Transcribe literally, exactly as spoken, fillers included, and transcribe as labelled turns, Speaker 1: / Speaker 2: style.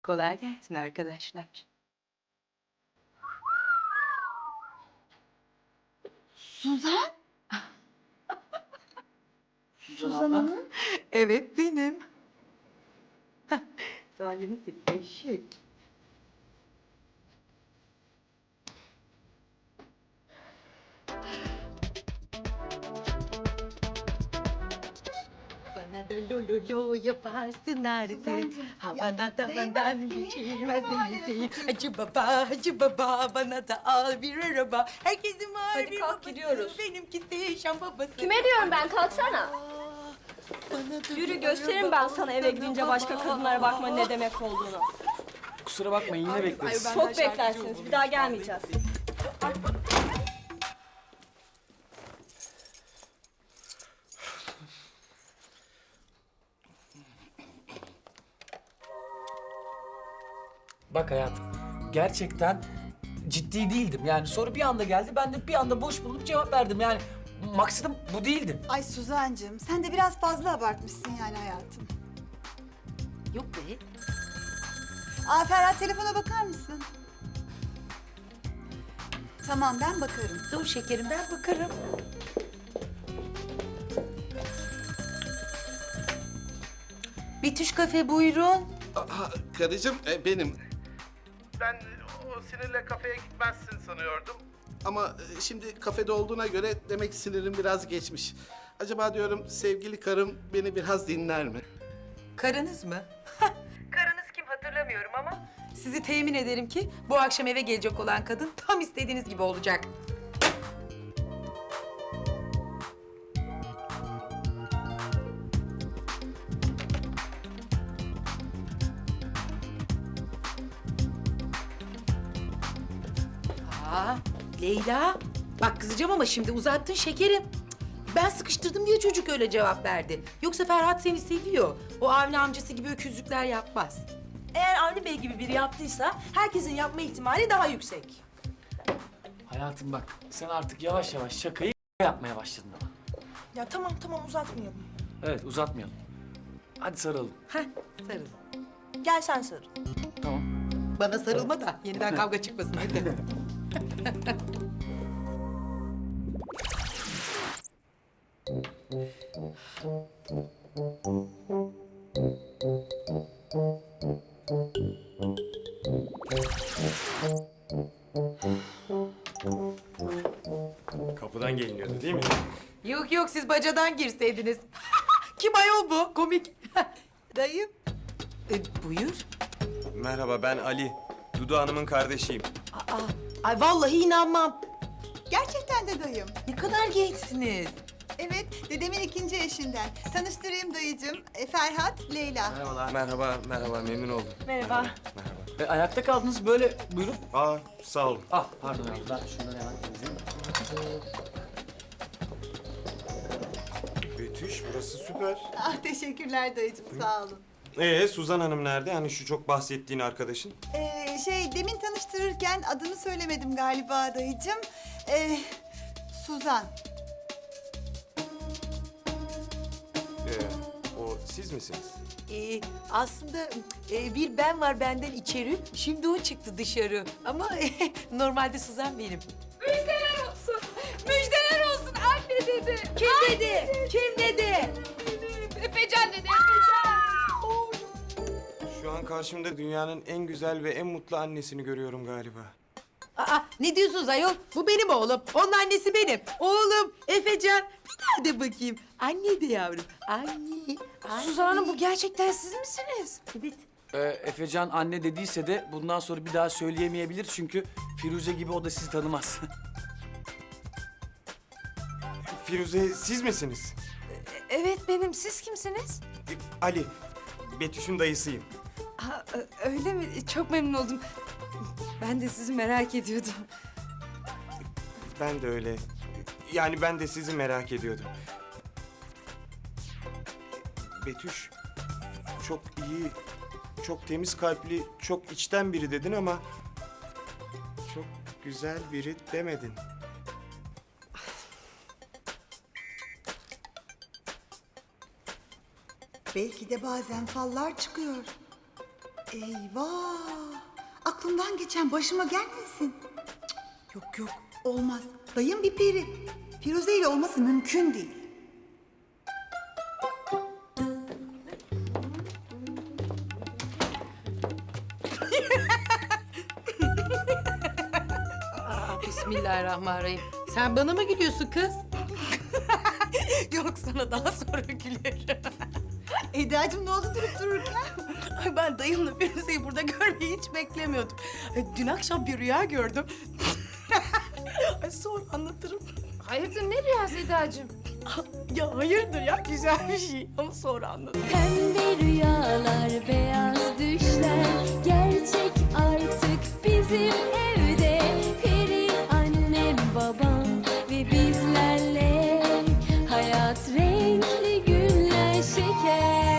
Speaker 1: Kolay gelsin arkadaşlar.
Speaker 2: Suzan? Suzan Hanım?
Speaker 1: Evet benim. Salim'in eşek. Bana da lo lo lo yaparsın artık. Havana tavandan geçilmez değil. Hacı baba, hacı baba bana da al bir araba. Herkesin var
Speaker 3: Hadi
Speaker 1: bir
Speaker 3: kalk,
Speaker 1: babası.
Speaker 3: gidiyoruz.
Speaker 1: Benimkisi şan babası.
Speaker 3: Kime diyorum ben, kalksana.
Speaker 1: Aa, bana da
Speaker 3: Yürü
Speaker 1: bir
Speaker 3: gösteririm
Speaker 1: araba
Speaker 3: ben sana eve gidince başka
Speaker 1: baba.
Speaker 3: kadınlara bakma ne demek olduğunu.
Speaker 4: Kusura bakmayın yine bekleriz.
Speaker 1: ben-
Speaker 3: Çok
Speaker 1: şarkıcı
Speaker 3: beklersiniz,
Speaker 1: olurum
Speaker 3: bir daha
Speaker 1: vallahi.
Speaker 3: gelmeyeceğiz.
Speaker 4: Bak hayatım, gerçekten ciddi değildim. Yani soru bir anda geldi, ben de bir anda boş bulup cevap verdim. Yani maksadım bu değildi.
Speaker 2: Ay Suzancığım, sen de biraz fazla abartmışsın yani hayatım.
Speaker 1: Yok be.
Speaker 2: Aa Ferhat, telefona bakar mısın? Tamam, ben bakarım.
Speaker 1: Dur şekerim ben bakarım. Bitüş kafe buyurun.
Speaker 5: Aha, karıcığım e, benim. Ben e, o sinirle kafeye gitmezsin sanıyordum. Ama e, şimdi kafede olduğuna göre demek sinirim biraz geçmiş. Acaba diyorum sevgili karım beni biraz dinler mi?
Speaker 1: Karınız mı? Karınız kim hatırlamıyorum ama sizi temin ederim ki bu akşam eve gelecek olan kadın tam istediğiniz gibi olacak. Aa, Leyla. Bak kızacağım ama şimdi uzattın şekerim. Cık, Ben sıkıştırdım diye çocuk öyle cevap verdi. Yoksa Ferhat seni seviyor. O Avni amcası gibi öküzlükler yapmaz.
Speaker 6: Eğer Avni Bey gibi biri yaptıysa herkesin yapma ihtimali daha yüksek.
Speaker 4: Hayatım bak, sen artık yavaş yavaş şakayı yapmaya başladın ama.
Speaker 6: Ya tamam tamam uzatmayalım.
Speaker 4: Evet, uzatmayalım. Hadi sarılalım.
Speaker 1: Heh, sarıl.
Speaker 6: Gel sen sarıl.
Speaker 4: Tamam.
Speaker 1: Bana sarılma da yeniden kavga çıkmasın hadi.
Speaker 7: Kapıdan geliniyordu değil mi?
Speaker 1: Yok yok siz bacadan girseydiniz. Kim ayol bu? Komik. Dayım. E, buyur.
Speaker 7: Merhaba ben Ali. Dudu Hanım'ın kardeşiyim.
Speaker 1: Aa, ay vallahi inanmam.
Speaker 2: Gerçekten de dayım.
Speaker 1: Ne kadar gençsiniz.
Speaker 2: Evet, dedemin ikinci eşinden. Tanıştırayım dayıcığım. E, Ferhat, Leyla.
Speaker 4: Merhabalar.
Speaker 7: Merhaba, merhaba memnun oldum.
Speaker 6: Merhaba.
Speaker 7: Merhaba.
Speaker 4: E, ayakta kaldınız böyle, buyurun.
Speaker 7: Aa sağ olun.
Speaker 4: Ah, pardon abi, ben şunları hemen temizleyeyim.
Speaker 7: Betüş burası süper.
Speaker 2: Ah teşekkürler dayıcığım, sağ olun.
Speaker 7: Ee Suzan Hanım nerede? Hani şu çok bahsettiğin arkadaşın.
Speaker 2: Ee, şey, demin tanıştırırken adını söylemedim galiba dayıcığım. Ee, Suzan.
Speaker 7: Ee, o siz misiniz?
Speaker 1: Ee, aslında e, bir ben var benden içeri. Şimdi o çıktı dışarı. Ama normalde Suzan benim.
Speaker 3: Müjdeler olsun, müjdeler olsun anne dedi.
Speaker 1: Kim dedi? Kim dedi?
Speaker 3: Efecan dedi, Efecan.
Speaker 7: Şu an karşımda dünyanın en güzel ve en mutlu annesini görüyorum galiba.
Speaker 1: Aa, ne diyorsunuz ayol? Bu benim oğlum. Onun annesi benim. Oğlum Efecan. Bir daha de bakayım. Anne de yavrum. Anne. anne.
Speaker 6: Suzan Hanım bu gerçekten siz misiniz?
Speaker 1: Evet.
Speaker 4: Ee, Efecan anne dediyse de bundan sonra bir daha söyleyemeyebilir çünkü Firuze gibi o da sizi tanımaz.
Speaker 7: Firuze siz misiniz?
Speaker 6: Evet benim. Siz kimsiniz?
Speaker 7: Ee, Ali. Betüş'ün dayısıyım.
Speaker 6: Ha, öyle mi? Çok memnun oldum. Ben de sizi merak ediyordum.
Speaker 7: Ben de öyle. Yani ben de sizi merak ediyordum. Betüş, çok iyi, çok temiz kalpli, çok içten biri dedin ama... ...çok güzel biri demedin.
Speaker 2: Belki de bazen fallar çıkıyor. Eyvah! Aklımdan geçen başıma gelmesin. Cık, yok yok, olmaz. Dayım bir peri. Firuze ile olması mümkün değil.
Speaker 1: Bismillahirrahmanirrahim. Sen bana mı gülüyorsun kız? Yok, sana daha sonra gülerim.
Speaker 2: Eda'cığım ne oldu durup dururken?
Speaker 1: Ay, ben dayımla Firuze'yi burada görmeyi hiç beklemiyordum. Ay, dün akşam bir rüya gördüm. Ay, sonra anlatırım.
Speaker 3: Hayırdır ne rüyası Eda'cığım?
Speaker 1: Ya hayırdır ya, güzel bir şey. Onu sonra anlatırım.
Speaker 8: Pembe rüyalar, beyaz düşler gerçek artık bizim evde. Peri annem, babam ve bizlerle hayat renkli günler şeker.